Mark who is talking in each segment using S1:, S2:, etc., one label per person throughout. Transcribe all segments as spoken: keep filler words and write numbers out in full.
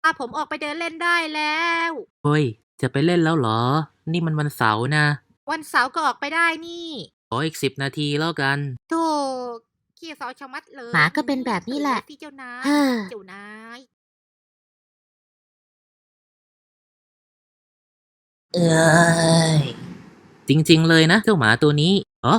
S1: าผมออกไปเดินเล่นได้แล้ว
S2: เฮ้ย จะไปเล่นแล้วเหรอ นี่มันวันเสาร์นะ
S1: วันเสาร์ก็ออกไปได้นี่
S2: ขออีกสิบนาทีแล้วกัน
S1: โธ่ขี้เสาชะมัดเลย
S3: หมาก็เป็นแบบนี้แหละ
S1: ที่เจ้านาย
S3: เฮ้อ
S1: เจ้านาย
S3: เอ้ย
S2: จริงๆเลยนะเจ้าหมาตัวนี้อ๋อ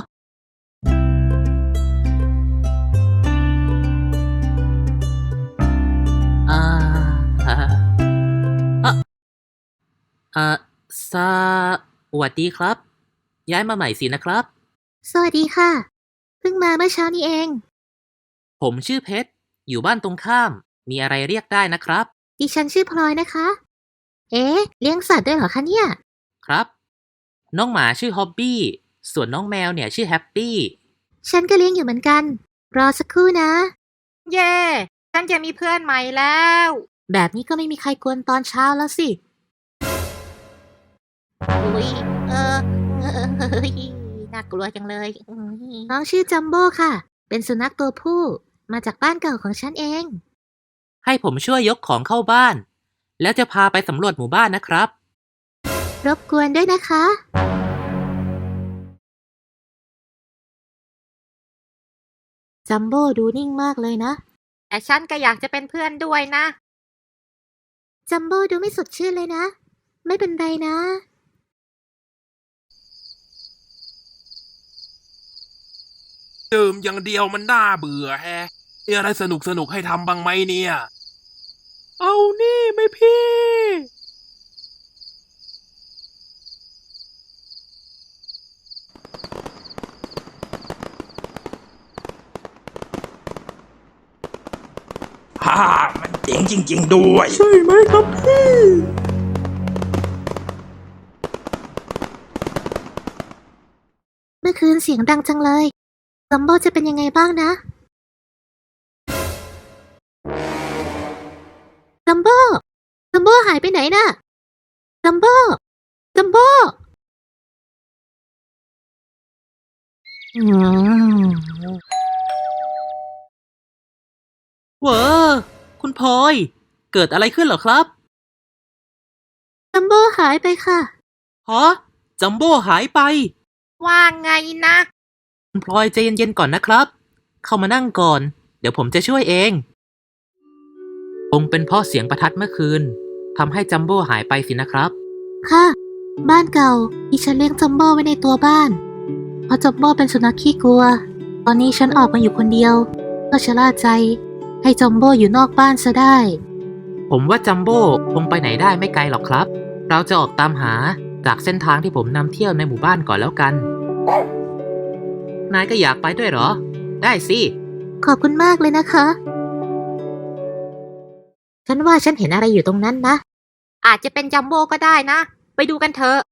S2: อ่าอ่าอ่ะอ่าสวัสดีครับ ย้ายมาใหม่สินะครับ
S3: สวัสดีค่ะ เพิ่งมาเมื่อเช้านี้เอง
S2: ผมชื่อเพชร อยู่บ้านตรงข้าม มีอะไรเรียกได้นะครับ
S3: ดิฉันชื่อพลอยนะคะ เอ๊ะ เลี้ยงสัตว์ด้วยเหรอคะเนี่ย
S2: ครับ น้องหมาชื่อฮอบบี้ ส่วนน้องแมวเนี่ยชื่อแฮปปี้
S3: ฉันก็เลี้ยงอยู่เหมือนกัน รอสักครู่นะ
S1: เย่ฉันจะมีเพื่อนใหม่แล้ว
S3: แบบนี้ก็ไม่มีใครกวนตอนเช้าแล้วสิ
S1: อุ้ยเออเออเฮ้ยน่ากลัวจังเลยอุ๊ย
S3: น้องชื่อจัมโบ้ค่ะ เป็นสุนัขตัวผู้ มาจากบ้านเก่าของฉันเอง
S2: ให้ผมช่วยยกของเข้าบ้าน แล้วจะพาไปสำรวจหมู่บ้านนะครับ
S3: รบกวนด้วยนะคะ จัมโบ้ดูนิ่งมากเลยนะ
S1: แต่ฉันก็อยากจะเป็นเพื่อนด้วยนะ
S3: จัมโบ้ดูไม่สดชื่นเลยนะ ไม่เป็นไรนะ
S4: ดื่มอย่างเดียวมันน่าเบื่อแฮะมีอะไรสนุกสนุกให้ทำบ้างไหมเนี่ย เอานี่ไหมพี่
S5: ฮ่ามันเจ๋งจริง ๆ ด้วย
S4: ใช่ไหมครับพี่
S3: เมื่อคืนเสียงดังจังเลย จัมโบ้จะเป็นยังไงบ้างนะ จัมโบ้ จัมโบ้หายไปไหนน่ะ จัมโบ้ จัมโบ้อืม
S2: เว้อคุณพลอย เกิดอะไรขึ้นเหรอครับ
S3: จัมโบ้หายไปค่ะ
S2: ฮะ จัมโบ้หายไป
S1: ว่าไงนะ
S2: คุณพลอยใจเย็นๆก่อนนะครับ เข้ามานั่งก่อน เดี๋ยวผมจะช่วยเองคงเป็นเพราะเสียงประทัดเมื่อคืนทำให้จัมโบ้หายไปสินะครับ
S3: ค่ะ บ้านเก่าที่ฉันเลี้ยงจัมโบ้ไว้ในตัวบ้าน เพราะจัมโบ้เป็นสุนัขขี้กลัว ตอนนี้ฉันออกมาอยู่คนเดียวก็ชะล่าใจ ให้จัมโบ้อยู่นอกบ้านซะได้
S2: ผมว่าจัมโบ้คงไปไหนได้ไม่ไกลหรอกครับ เราจะออกตามหาจากเส้นทางที่ผมนำเที่ยวในหมู่บ้านก่อนแล้วกัน นายก็อยากไปด้วยเหรอ ได้สิ
S3: ขอบคุณมากเลยนะคะ ฉันว่าฉันเห็นอะไรอยู่ตรงนั้นนะ
S1: อาจจะเป็นจัมโบ้ก็ได้นะ ไปดูกันเถอะ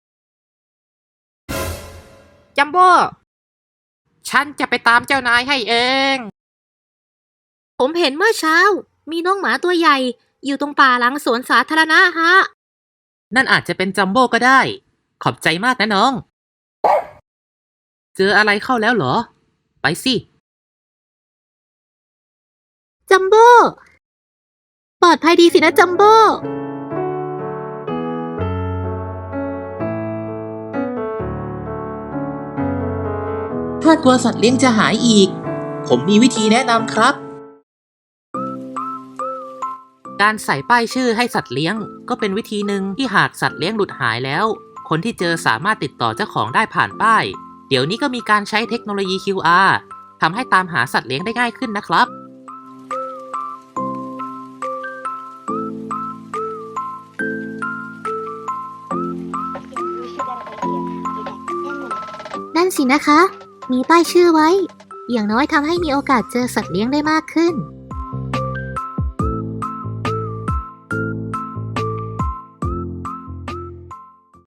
S1: จัมโบ้ ฉันจะไปตามเจ้านายให้เอง
S3: ผมเห็นเมื่อเช้า มีน้องหมาตัวใหญ่ อยู่ตรงป่าหลังสวนสาธารณะฮะ
S2: นั่นอาจจะเป็นจัมโบ้ก็ได้ ขอบใจมากนะน้อง เจออะไรเข้าแล้วเหรอ ไปสิ
S3: จัมโบ้ ปลอดภัยดีสินะจัมโบ้
S2: ถ้ากลัวสัตว์เลี้ยงจะหายอีก ผมมีวิธีแนะนำครับ การใส่ป้ายชื่อให้สัตว์เลี้ยง ก็เป็นวิธีหนึ่งที่หากสัตว์เลี้ยงหลุดหายแล้ว คนที่เจอสามารถติดต่อเจ้าของได้ผ่านป้าย เดี๋ยวนี้ก็มีการใช้เทคโนโลยี คิว อาร์ ทำให้ตามหาสัตว์เลี้ยงได้ง่ายขึ้นนะครับ
S3: นั่นสินะคะ มีป้ายชื่อไว้ อย่างน้อยทำให้มีโอกาสเจอสัตว์เลี้ยงได้มากขึ้น